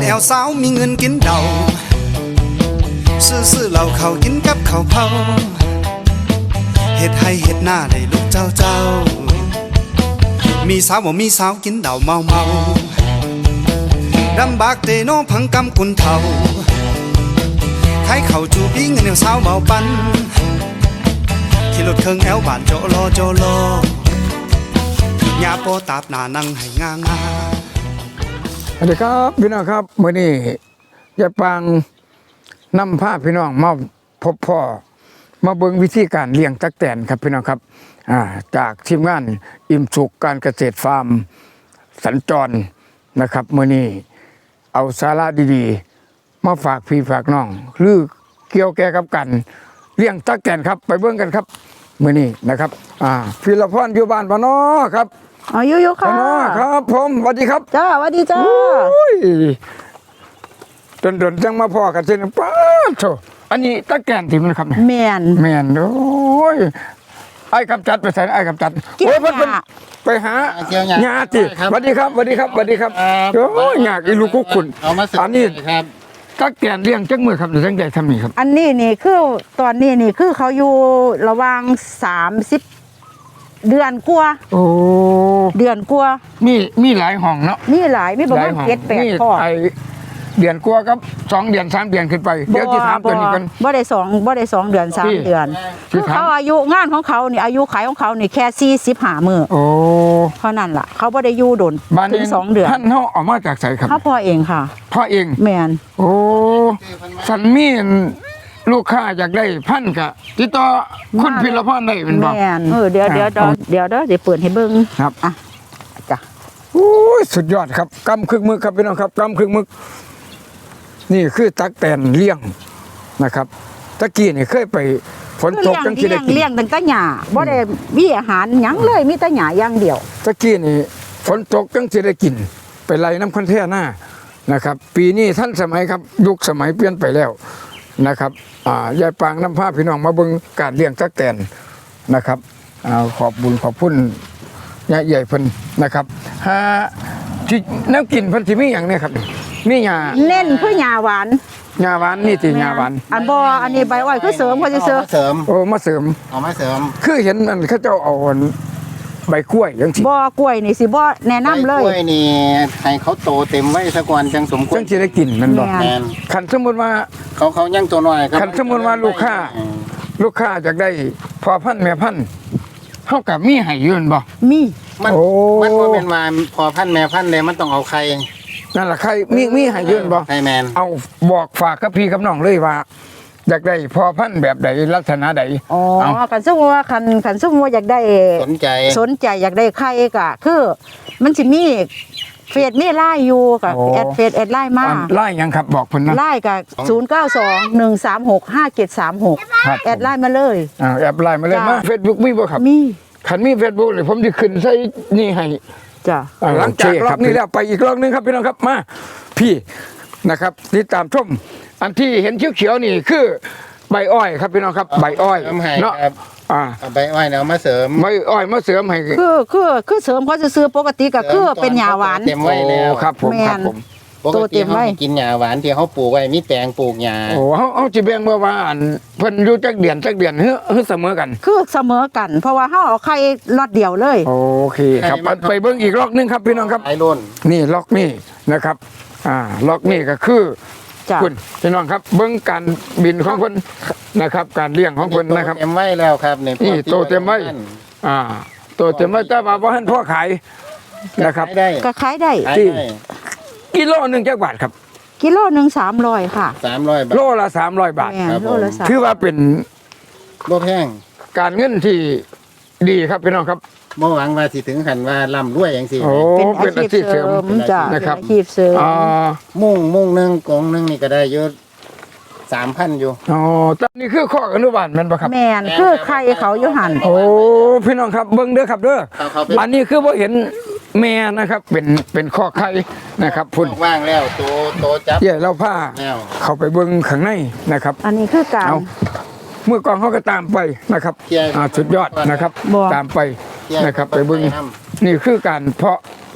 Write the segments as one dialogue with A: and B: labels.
A: แอวสาวมีเงินกินเดาซื้อเหล้าเขากินกับข้าวเผาเฮ็ดให้เฮ็ดหน้าได้ลูกเจ้ามีสาวบ่มีสาวกินเดาเมาดำบากเตโนพังกำกุนเทาใครเข้าจูบีเงินแอวสาวเมาปันขี่รถเครื่องแอวบ้านโจโลยาโปตาบหน้านั่งให้งางา
B: สวัสดีครับพี่น้องครับมื้อนี้ยายปางนำพาพี่น้องมาพบพ่อมาเบิ่งวิธีการเลี้ยงตั๊กแตนครับพี่น้องครับจากทีมงานอิ่มสุขการเกษตรฟาร์มสัญจรนะครับมื้อนี้เอาสาระดีๆมาฝากพี่ฝากน้องหรือเกี่ยวแก่กับกันเลี้ยงตั๊กแตนครับไปเบิ่งกันครับมื้อนี้นะครับพี่ละพรอยู่บ้านบ่น้อครับ
C: อยู่ค่ะ
B: ครับผมสวัสดีครับ
C: จ้าสวัสดีจ้า
B: ดนจังมาพ่อกันเช่นป้าโถอันนี้ตะแกนที่มันครับ
C: แมน
B: โอ้ยไอ้กำจัดไปใส่ไอ้กำจัดโอ้ยมันไปหาหญ้าติสวัสดีครับโอ้ยหญ้าอีลูกกุ๊กคุณอันนี้ครับตะแกนเลี้ยงจังมือครับหรือจังใดทำนี่ครับ
C: อันนี้นี่คือตอนนี้นี่คือเขาอยู่ระหว่าง30 เดือนกว่า
B: โอ้
C: เดือนกว่า
B: มีหลายห้องเนาะ
C: มีหลายมีประมาณ7-8ห้อง
B: เดือนกว่ากับ2 เดือน3 เดือนขึ้นไปเดี๋ยวที่ถามตัวนี้กัน
C: บ่ได้2 เดือน3 เดือนคือเขาอายุงานของเขานี่อายุขายของเขานี่แค่45 มื้อ
B: โอ้
C: เท่านั้นล่ะเขาบ่ได้อยู่ดนถึง2 เดือน
B: ท่านเฮาเอามาจากไสครับ
C: เขาพ่อเองค่ะ
B: พ่อเอง
C: แม่น
B: โอ้สันมีลูกค้าอยากได้พันกะติดต่อคุณพิรพรได้เป็นบ่
C: แม่นเดี๋ยวสิเปิดให้เบิ่ง
B: ครับ
C: จ้ะ
B: โอ้ยสุดยอดครับกำครึ่งมือครับพี่น้องครับกำครึ่งมือนี่คือตั๊กแตนเลี้ยงนะครับตะกี้นี่เคยไปฝนตกจังสิได้กิน
C: เลี้ยงตั้งแต่หญ้าบ่ได้มีอาหารหยังเลยมีแต่หญ้าอย่างเดียว
B: ตะกี้นี่ฝนตกจังสิได้กินไปไล่น้ำคันแท่หน้านะครับปีนี้ท่านสมัยครับยุคสมัยเปลี่ยนไปแล้วนะครับยายปางน้ำผ้าพี่น้องมาเบิ่งการเลี้ยงตั๊กแตนนะครับขอบบุญขอบพุ่นยายใหญ่เพิ่นนะครับที่น้ำกินเพิ่นสิมีอย่างนี้ครับมีหญ้า
C: เน้นคือหญ้าหวาน
B: นี่ติหญ้าหวาน
C: อันนี้ใบอ้อยคือเสริมเขาจะเสริม
B: โอ้มาเสริมคือเห็นมันเขาเจ้าเอาใบกล้วยจังซี่
C: บ่กล้วยนี่สิบ่แนะนำเลย
D: กล้วยนี่ให้เขาโตเต็มไว้ซะก่อนจังสมควร
B: จังสิได้กินมันบ่คันสมมุติว่า
D: เขายังตัวน้อยครับ
B: คันสมมุติว่าลูกค้าอยากได้พ่อพันธุ์แม่พันธุ์เฮาก็มีให้อยู่บ่
D: มันบ่แม่นว่าพ่อพันธุ์แม่พันธุ์เลยมันต้องเอาไข่
B: นั่นล่ะใครมีให้ยืนบ่
D: ให้แมน
B: เอาบอกฝากกับพี่กับน้องเลยว่าอยากได้พอพันธุ์แบบใดลักษณะใด
C: คันสมมุติว่าคันสมมุติว่าอยากได้
D: สนใจ
C: อยากได้ไข่ก็คือมันสิมีเฟซมีไลน์อยู่กับแอดไลน์มา
B: ไลน์ยังครับบอกเพิ่นนะ
C: ไลน์ก็0921365736แอดไลน์มาเลย
B: แอดไลน์มาเลยมา Facebook มีบ่ครับ
C: มี
B: คันมี Facebook นี่ผมสิขึ้นใส่นี่ให้
C: จ้ะ
B: หลังจากรอบนี้แล้วไปอีกรอบนึงครับพี่น้องครับมาพี่นะครับติดตามชมอันที่เห็นเขียวๆนี่คือใบอ้อยครับพี่น้องครับใบอ้อย
D: เนาะใบอ้อยเอามาเสริม
B: ใบอ้อยมาเสริมให้
C: คือเสริมเขาจะซื้อปกติก็คือเป็นหญ้าหวาน
D: เต็มไว้แล้ว
B: ครับผม
D: ปกติเขากินหญ้าหวานที่เขาปลูกไว้มีแปลงปลูกหญ้า
B: โอ้เขาจะแบ่งว่าอันเพิ่นอยู่จักเดือนเฮ้อเสมอกัน
C: คือเสมอกันเพราะว่าเฮาเอาไข่ล็อตเดียวเลย
B: โอเคครับไปเบิ่งอีกล็อกนึงครับพี่น้องครับนี่ล็อกนี่นะครับล็อกนี่ก็คือคุณพี่น้องครับเบิ้งการบินของคนนะครับการเลี้ยงของคนนะครับ
D: เต็มไว้แล้วครับ
B: นี่โตเต็มไว้โตเต็มไว้แต่ว่าบ่ทันพอขายนะครับ
C: ก็ขายได้
B: ที่กิโลนึงจักบาทครับ
C: กิโลนึง300ค่ะ
D: 300 บาท
B: โลละ300 บาทถือว่าเป็น
D: บ่แพง
B: การเงินที่ดีครับพี่น้องครับ
D: บ่หวังว่าสิถึงขั้นว่าร่ำรวยจังซี่
B: เป็นอาชีพเสริม
C: นะครับอาชีพเสริม
D: มุ่งนึงกงนึงนี่ก็ได้เยอะ3,000อยู่
B: ตอนนี้คือข้ออนุบาลแม่นบ่ครับ
C: แม่นคือไข่เขาอยู่หั่น
B: โอ้พี่น้องครับเบิ่งเด้อครับเด้ออันนี้คือบ่เห็นแม่นะครับเป็นข้อไข่นะครับพุ่น
D: ว่างแล้วโตจับ
B: เดี๋ยวเราพาเข้าไปเบิ่งข้างในนะครับ
C: อันนี้คือการ
B: เมื่อก่อนเขาก็ตามไปนะครับสุดยอดนะครับตามไปนะครับไปเบิ่งนี่คือการเพาะ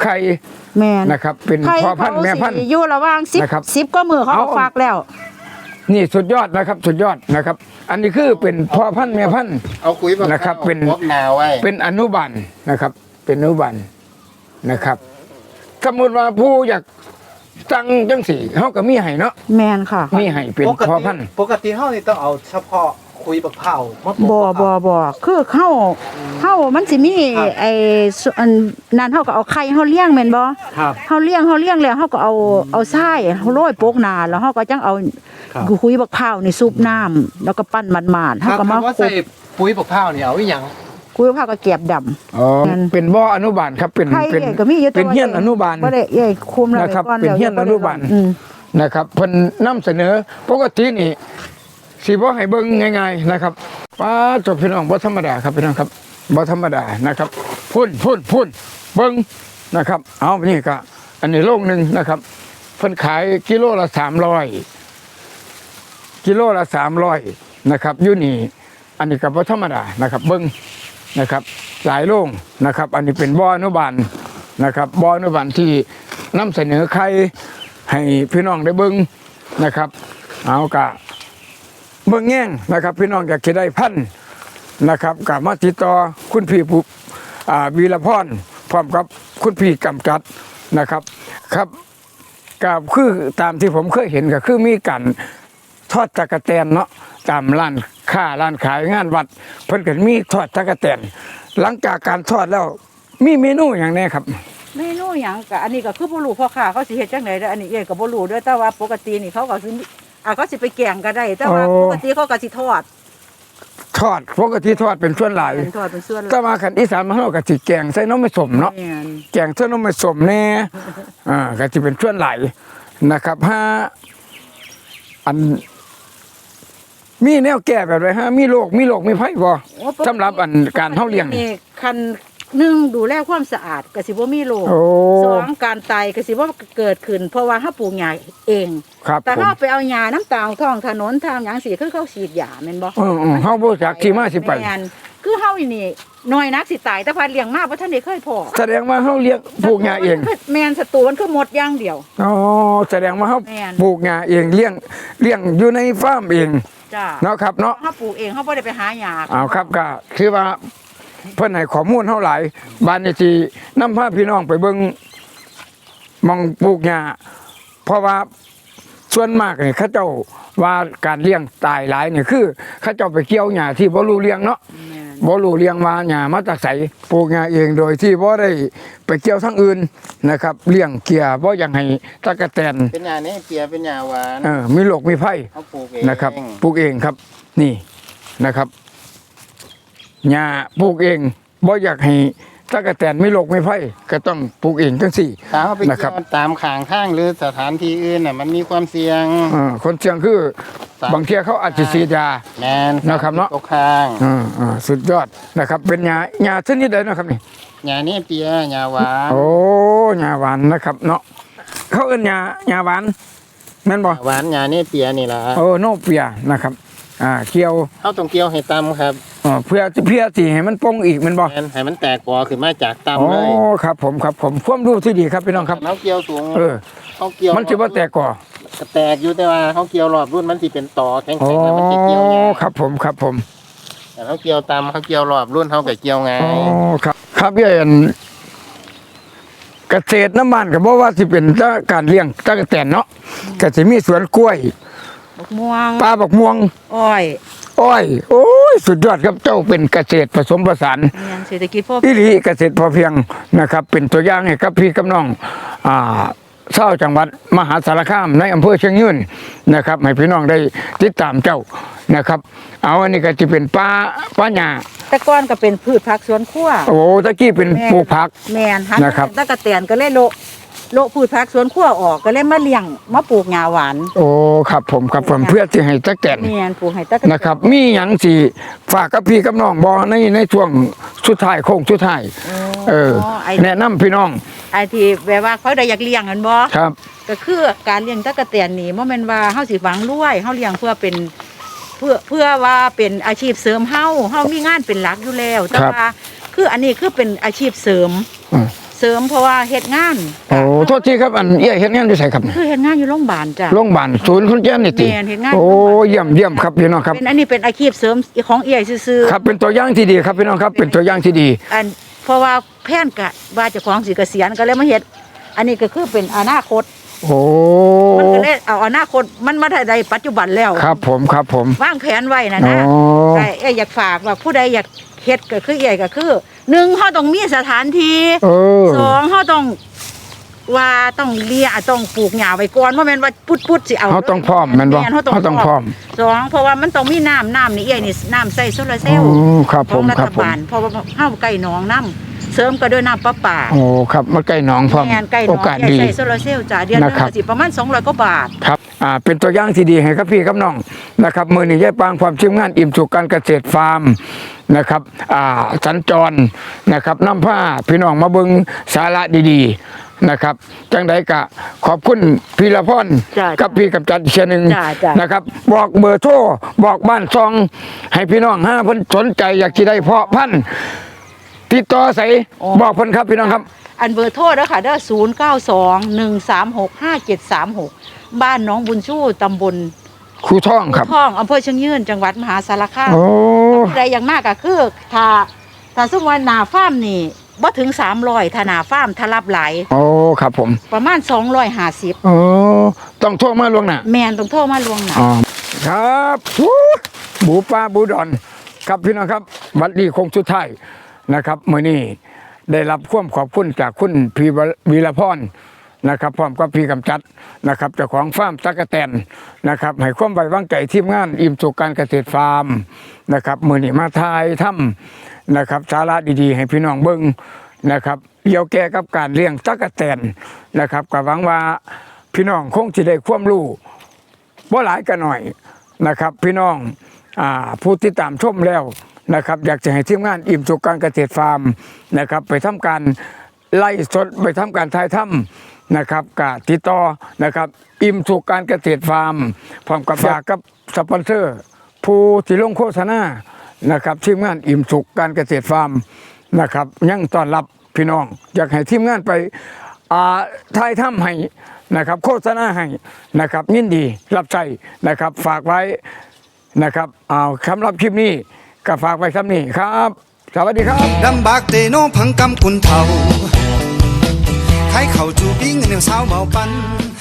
B: ไข่
C: แม่น
B: นะครับ เป็น
C: ไข่
B: พ่อพันธุ์แม่พันธุ์
C: เขาสิอยู่ระหว่าง
B: นะครับ
C: 10ก็มือเขาก็
B: เอา
C: ฝากแล้ว
B: นี่สุดยอดนะครับ สุดยอดนะครับ อันนี้คือเป็นพ่อพันธุ์แม่พันธุ์
D: เอาคุยบัก
B: นะครับเป็น
D: พบนาไว้
B: เป็นอนุบาลนะครับ เป็นอนุบาลนะครับ สมมติว่าผู้อยากสั่งจังสี่เขาก็มีให้เนาะ
C: แม่นค่ะ
B: มีให้เป็นพ่อพันธุ์
E: ปกติเฮานี่ต้องเอาเฉพาะคุยบักเผามาปลูก
C: บ่
E: บักเผา
C: บ่คือเฮามันสิมีไอ้ส่วนนั้นเฮาก็เอาไข่เฮาเลี้ยงแม่นบ่
E: ครับ
C: เฮาเลี้ยงแล้วเฮาก็เอาทรายเฮาโรยโปกหน้าแล้วเฮาก็จังเอา
E: ครับ
C: คุยบักพร้าวนี่ซุปน้ำแล้วก็ปั้นมันๆเฮาก็มา
E: ว่า
C: คลุ
E: ใส่
C: ก
E: ปุ๋ยบักเผานี่เอาอีหยัง
C: คุยบักพร้าวก็เก็บดำ
B: อ๋อ
C: นั่น
B: เป็นบ่ออนุบาลครับเป็น
C: ไข่
B: เป็น
C: เอ้ยก็มีอยู่แต่
B: เป็น
C: ว่า
B: เฮียนอนุบาล
C: บ่ได้เอ้ยคุมแล้ว
B: นะครับ
C: ไว้ก่อน
B: เป็น
C: แล้ว
B: เฮียนอนุบาล
C: อืม
B: นะครับเพิ่นนำเสนอปกตินี่สิบ่ให้เบิ่งง่ายๆนะครับป้าจบพี่น้องบ่ธรรมดาครับพี่น้องครับบ่ธรรมดานะครับพุ่นเบิ่งนะครับ เอานี่ก็อันนี้โลงหนึงนะครับเพิ่นขายกิโลละ300กิโลละ300นะครับอยู่นี่อันนี้ก็บ่ธรรมดานะครับเบิ่งนะครับหลายโรงนะครับ อันนี้เป็นบ่ออนุบาลนะครับบ่ออนุบาลที่นำเสนอไข่ให้พี่น้องได้เบิ่งนะครับ เอากะเบิ่งแง่งนะครับ พี่น้องอยากจะได้พันธุ์นะครับกับมาติดต่อคุณพี่ผู้วีรพรพร้อมกับคุณพี่กำจัดนะครับครับกับคือตามที่ผมเคยเห็นก็คือมีการทอดตะกะแตนเนาะตามร้านค้าร้านขายงานวัด เพิ่นก็มีทอดตะกะแตนหลังจากการทอดแล้วมีเมนูอย่างแนี้ครับ
C: เมนูหยังก็อันนี้ก็คือบ่รู้พ่อค้าเขาสิเฮ็ดจังได๋เด้ออันนี้เอ้ยก็บ่รู้เด้อแต่ว่าปกตินี่เขาก็สิเขาสิไปแกงก็ได้ แต่ว่า
B: โอ้
C: ปกติเขาก็สิทอด
B: ทอดปกติทอดเป็นส่วนหลาย
C: เป็นทอดเป็นส่วน
B: แต่มาขันอีสานมาเฮาก็สิแกงใส่น้ำไม่สมเนาะ
C: แม่น
B: แกงเส้นนมผสมแน่ก็จะเป็นช่วนไหลนะครับถ้าอันมีแนวแก้แบบไรฮะมีโรคมีไผ่บ่
C: โอ้ปกติ
B: สำหรับอันการเฮาเลี้ยง
C: นี่คันหนึ่งดูแลความสะอาดก็สิบ่มีโรค
B: โอ้
C: สองการตายก็สิบ่เกิดขึ้น เพราะว่าเฮาปลูกหญ้าเอง
B: ครับ
C: แต่
B: ผม
C: ถ้าไปเอาหญ้าน้ำตาลท้องถนนทางหยังสิคือเขาฉีดยาแม่นบ่
B: เฮาบ่จักที่มาสิไป
C: แม่นคือเฮานี่น้อยนักสิตายแต่พันเลี้ยงมาบ่ทันได้เคยพอ
B: แสดงว่าเฮาเลี้ยงปลูกหญ้าเอง
C: แม่นศัตรูมันคือหมดอย่างเดียว
B: อ๋อแสดงว่าเฮา
C: แม่น
B: ปลูกหญ้าเองเลี้ยงอยู่ในฟาร์มเอง
C: จ้า
B: เนาะครับเนาะ
C: เฮาปลูกเองเฮาบ่ได้ไปหาหญ้า
B: เอาครับก็คือว่าเพิ่นให้ข้อมูลเฮาหลายบ้านนี้สินำพาพี่น้องไปเบิ่งหมองปลูกหญ้าเพราะว่าส่วนมากนี่เขาเจ้าว่าการเลี้ยงตายหลายนี่คือเขาเจ้าไปเกี่ยวหญ้าที่บ่รู้เลี้ยงเนาะ
C: แม่น
B: บ่รู้เลี้ยงมาหญ้ามาจากไสปลูกหญ้าเองโดยที่บ่ได้ไปเกี่ยวทางอื่นนะครับเลี้ยงเกียบ่อยากให้ตะกะแตน
D: เป็นหญ้าเนี่ยเปียเป็นหญ้าหวาน
B: มีโรคมีภัย
D: เขาปลูกเอง
B: นะครับปลูกเองครับนี่นะครับหญ้าปลูกเองบ่อยากให้ตะกะแตนไม่โรคไม่ไผ่ก็ต้องปลูกเองจังสี่
D: ถ้าเขาไป
B: นะครั
D: เกี่
B: บ
D: ยวตามข้างทางหรือสถานที่อื่นน่ะมันมีความเสี่ยง
B: คนเชียงคือบางเที่ยเขาอาจจะฉีดยา
D: แมน
B: นะครับเนาะ
D: ตกข้าง
B: สุดยอดนะครับ เป็นหญ้าชนิดใดนะครับนี่
D: หญ้าเนี่ยเปียหญ้าหวาน
B: โอ้หญ้าหวานนะครับเนาะเขาเอิ้นหญ้าหวานแม่นบ่
D: หวานหญ้าเนี่ยเปียนี่ล่ะ
B: โอ้โนเปียนะครับเกี่ยว
D: เขาต้องเกี่ยวให้ต่ำครับ
B: เพื่อสิให้มันปงอีกแม่นบ่
D: แมนให้มันแตกกอขึ้นมาจาก
B: โอ้
D: ต่ำเลย
B: ครับผมความรู้ที่ดีครับพี่น้องครับ
D: เขาเกี่ยวสูง เขาเกี่ยว
B: มันสิบ่แตกก่อ
D: แตกอยู่แต่ว่าเขาเกี่ยวรอบรุ่นมันสิเป็นต่อแข็ง
B: โอ้
D: ๆแล้วมันสิเกี่ยวยาก
B: ครับผม
D: แต่เขาเกี่ยวต่ำเขาเกี่ยวรอบรุ่นเขาก็เกี่ยวง่าย
B: อ๋อครับพี่เอ็นเกษตรน้ำมันก็บอกว่าสิเป็นการเลี้ยงตะกะแตนเนาะก็สิมีสวนกล้วย
C: บักม่วง
B: ปลาบักม่วง
C: อ้อย
B: อ้อยโอ้ยสุดยอดครับเจ้าเป็นเกษตรผสมผสาน
C: แม่นเศรษฐกิจพอ
B: อีหลีเกษตรพอเพียงนะครับ เป็นตัวอย่างให้กับพี่กับน้องชาวจังหวัดมหาสารคามในอำเภอเชียงยืนนะครับให้พี่น้องได้ติดตามเจ้านะครับ เอาอันนี้ก็จะเป็นป้าหญ้า
C: แต่ก่อนก็เป็นพืชผักสวนครัว
B: โอ้ตะกี้เป็นปลูกผัก
C: แม่นหั
B: นะครับ
C: ตะกะแตนก็เลยโละพืชผักสวนครัวออกก็เลยมาเลี้ยงมาปลูกหญ้าหวาน
B: โอ้ครับผมเพื่อที่ให้ตะแกน
C: แม่นปลูกให้ตะกะแตน
B: นะครับ มีหยังสิฝากกับพี่กับน้องบ่ในช่วงสุดท้ายโค้งสุดท้าย
C: ไอ้
B: แนะนำพี่น้อง
C: ไอ้ที่แบบว่าเขาได้อยากเลี้ยงกันบ่
B: ครับ
C: ก็คือการเลี้ยงตะกะแตนนี่บ่แม่นว่าเฮาสิหวังรวยเฮาเลี้ยงเพื่อเป็นเพื่อว่าเป็นอาชีพเสริมเฮามีงานเป็นหลักอยู่แล้วแต่ว่าคืออันนี้คือเป็นอาชีพเสริม
B: อืม
C: เสริมเพราะว่าเฮ็ดงาน
B: โอ้โทษทีครับอันเอี้ยเฮ็ดงานอยู่ไสครับเนี่ย
C: คือเฮ็ดงานอยู่โรงพยาบาลจ้ะ
B: โรงพยาบาลศูนย์คนแก่นนี่ติ
C: แม่นเฮ็ดงาน
B: โอ้เยี่ยมครับพี่น้องครับ
C: เป็นอันนี้เป็นอาชีพเสริมของเอี่ยซื่อ
B: ครับเป็นตัวอย่างที่ดีครับพี่น้องครับเป็นตัวอย่างที่ดี
C: ๆอันเพราะว่าแพนกะว่าเจ้าของสิเกษียณก็เลยมาเฮ็ดอันนี้ก็คือเป็นอนาคต
B: โอ้
C: มันก็เลยเอาอนาคตมันมาได้ปัจจุบันแล้ว
B: ครับผม
C: วางแผนไว้นะ
B: อ๋อ
C: แต่เอ้ยอยากฝากว่าผู้ใดอยากเฮ็ดก็คือเอี่ยก็คือหนึ่งเฮาต้องมีสถานที่
B: เออ
C: สองเฮาต้องว่าต้องเลี้ยต้องปลูกหญ้าไว้ก่อนบ่แม่นว่าพุดๆสิเอา
B: เฮาต้องพร้อมแม่นบ่
C: เฮาต้อง
B: เฮาต้องพร้อม
C: สองเพราะว่ามันต้องมีน้ำนี่เอี่ยนี่น้ำใส่โซลาร์เซลล์
B: อ๋อครับ
C: ข
B: ผ
C: อง
B: ม
C: รั
B: ครั
C: ฐ
B: บผม
C: บาลเพราะว่าเฮาใกล้หนองน้ำเสริมก็ด้วยน้ำประปา
B: โอ้ครับมาใกล้หนองพร้อม
C: แม่นใกล้หน
B: โอ
C: อง
B: กาส
C: ใหญ่
B: ดี
C: ใส่โซลาร์เซลล์จ้ะเดือนหนึง
B: นะครับ
C: ก็สิประมาณ200กว่าบาท
B: ครับเป็นตัวอย่างที่ดีให้ครับพี่ครับน้องนะครับมือนี้ยายปางความชิมงานอิ่มสุขการเกษตรฟาร์มนะครับสัญจรนะครับนำผ้าพี่น้องมาเบิ่งสาระดีๆนะครับจังใดกะขอบคุณพี่ละพร
C: จ้ะ
B: กับพี่กับจันเชียหนึ่ง
C: จ้ะ
B: นะครับบอกเบอร์โทรบอกบ้านซอง ให้พี่น้องเพิ่นสนใจอยากสิได้เพาะพันธุ์ติดต่อใส่บอกเพิ่นครับพี่น้องครับ
C: อันเบอร์โทรเด้อค่ะเด้อ0921365736บ้านหน้องบุญชูตำบล
B: ครูท่องครับ
C: ท่องอำเภอเชียงยืนจังหวัดมหาสารคาม
B: โอ้
C: ผู้ใดอย่างมากก็คือถ้าสมมุติว่าหน้าฟาร์มนี่บ่ถึง300ถ้าหน้าฟาร์มถ้ารับหลาย
B: โอ้ครับผม
C: ประมาณ250
B: โอ้ต้องโทรมาล่วงหน้า
C: แม่นต้องโทรมาล่วงหน้า
B: อ๋อครับบูปลาบูดอนครับพี่น้องครับบัดนี้คงสุดท้ายนะครับมื้อนี้ได้รับความขอบคุณจากคุณพี่วีรพรนะครับพร้อมกับพี่กำจัดนะครับเจ้าของฟาร์มตั๊กแตนนะครับให้ความไว้วางใจทีมงานอิ่มสุขการเกษตรฟาร์มนะครับมื้อนี้มาทายถ้ำนะครับสาระดีๆ ให้พี่น้องเบิ่งนะครับเกี่ยวแก่กับการเลี้ยงตั๊กแตนนะครับก็หวังว่าพี่น้องคงสิได้ความรู้ บ่หลายก็หน่อยนะครับพี่น้องผู้ที่ตามชมแล้วนะครับอยากจะให้ทีมงานอิ่มสุขการเกษตรฟาร์มนะครับไปทำการไล่สดไปทำการถ่ายทำนะครับกับติดต่อนะครับอิ่มสุขการเกษตรฟาร์มพร้อมกับฝากกับสปอนเซอร์ ผู้ที่ลงโฆษณานะครับทีมงานอิ่มสุขการเกษตรฟาร์มนะครับยังต้อนรับพี่น้องอยากให้ทีมงานไปถ่ายทำให้นะครับโฆษณาให้นะครับยินดีรับใจนะครับฝากไว้นะครับสำหรับคลิปนี้ก็ฝากไว้คำนี้ครับ สวัสดีครับ
A: ดำบากเตโนพังกำกุนเทาใครเข้าจูบิงแนวสาวเบาปัน